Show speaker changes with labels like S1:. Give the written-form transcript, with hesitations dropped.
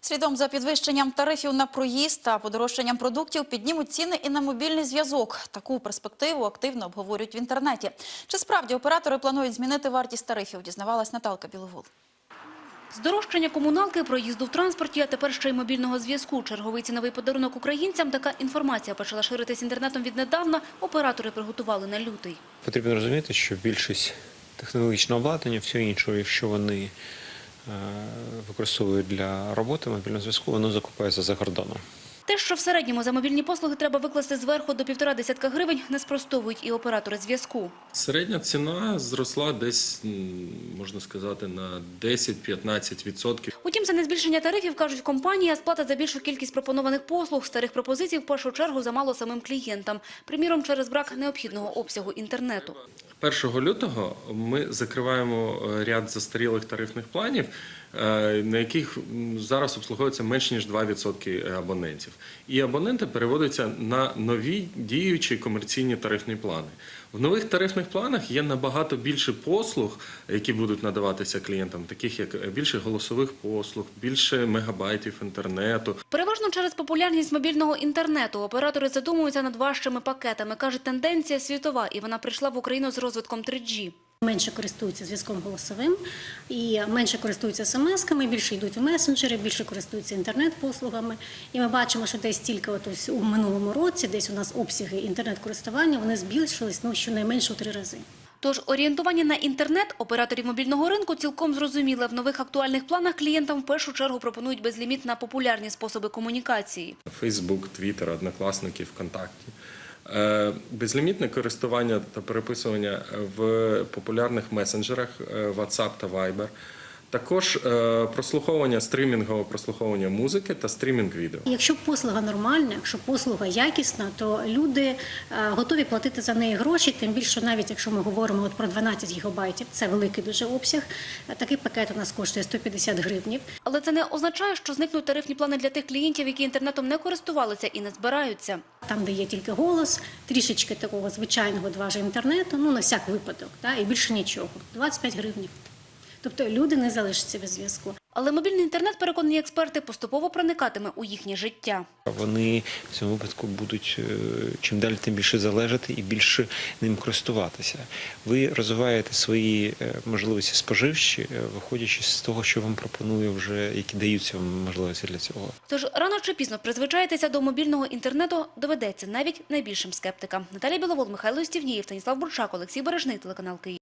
S1: Слідом за підвищенням тарифів на проїзд та подорожчанням продуктів піднімуть ціни і на мобільний зв'язок. Таку перспективу активно обговорюють в інтернеті. Чи справді оператори планують змінити вартість тарифів, дізнавалась Наталка Біловол.
S2: Здорожчання комуналки, проїзду в транспорті, а тепер ще й мобільного зв'язку. Черговий ціновий подарунок українцям. Така інформація почала ширитись інтернетом віднедавна. Оператори приготували на лютий.
S3: Потрібно розуміти, що більшість технологічного обладнання, все інше, якщо вони використовують для роботи мобільного зв'язку, воно закупається за кордоном.
S2: Те, що в середньому за мобільні послуги треба викласти зверху до 1,5 десятка гривень, не спростовують і оператори зв'язку.
S4: Середня ціна зросла десь, можна сказати, на 10-15%.
S2: Утім, це не збільшення тарифів, кажуть компанії, а сплата за більшу кількість пропонованих послуг. Старих пропозицій в першу чергу замало самим клієнтам. Приміром, через брак необхідного обсягу інтернету.
S4: 1 лютого ми закриваємо ряд застарілих тарифних планів, на яких зараз обслуговується менш ніж 2% абонентів. І абоненти переводяться на нові діючі комерційні тарифні плани. В нових тарифних планах є набагато більше послуг, які будуть надаватися клієнтам, таких як більше голосових послуг, більше мегабайтів інтернету.
S2: Переважно через популярність мобільного інтернету оператори задумуються над важчими пакетами. Кажуть, тенденція світова, і вона прийшла в Україну з розвитком 3G.
S5: Менше користуються зв'язком голосовим, і менше користуються смс-ками, більше йдуть у месенджери, більше користуються інтернет-послугами. І ми бачимо, що десь тільки у минулому році, десь у нас обсяги інтернет-користування, вони збільшились щонайменше у 3 рази.
S2: Тож орієнтування на інтернет операторів мобільного ринку цілком зрозуміле. В нових актуальних планах клієнтам в першу чергу пропонують безліміт на популярні способи комунікації.
S4: Фейсбук, Твіттер, Однокласники, ВКонтакті. Безлімітне користування та переписування в популярних месенджерах WhatsApp та Viber. Також прослуховування, стримінгове прослуховування музики та стрімінг відео.
S5: Якщо послуга нормальна, якщо послуга якісна, то люди готові платити за неї гроші, тим більше навіть якщо ми говоримо про 12 гігабайтів, це великий дуже обсяг, такий пакет у нас коштує 150 гривнів.
S2: Але це не означає, що зникнуть тарифні плани для тих клієнтів, які інтернетом не користувалися і не збираються.
S5: Там, де є тільки голос, трішечки такого звичайного 2G інтернету, на всяк випадок, і більше нічого, 25 гривень. Тобто люди не залишаться без зв'язку.
S2: Але мобільний інтернет, переконані експерти, поступово проникатиме у їхнє життя.
S3: Вони в цьому випадку будуть чим далі тим більше залежати і більше ним користуватися. Ви розвиваєте свої можливості споживчі, виходячи з того, що вам пропонує вже, які даються вам можливості для цього.
S2: Тож рано чи пізно призвичаїтися до мобільного інтернету доведеться навіть найбільшим скептикам. Наталія Біловол, Михайло Стівнієв, Станіслав Бурчак, Олексій Бережний, телеканал Київ.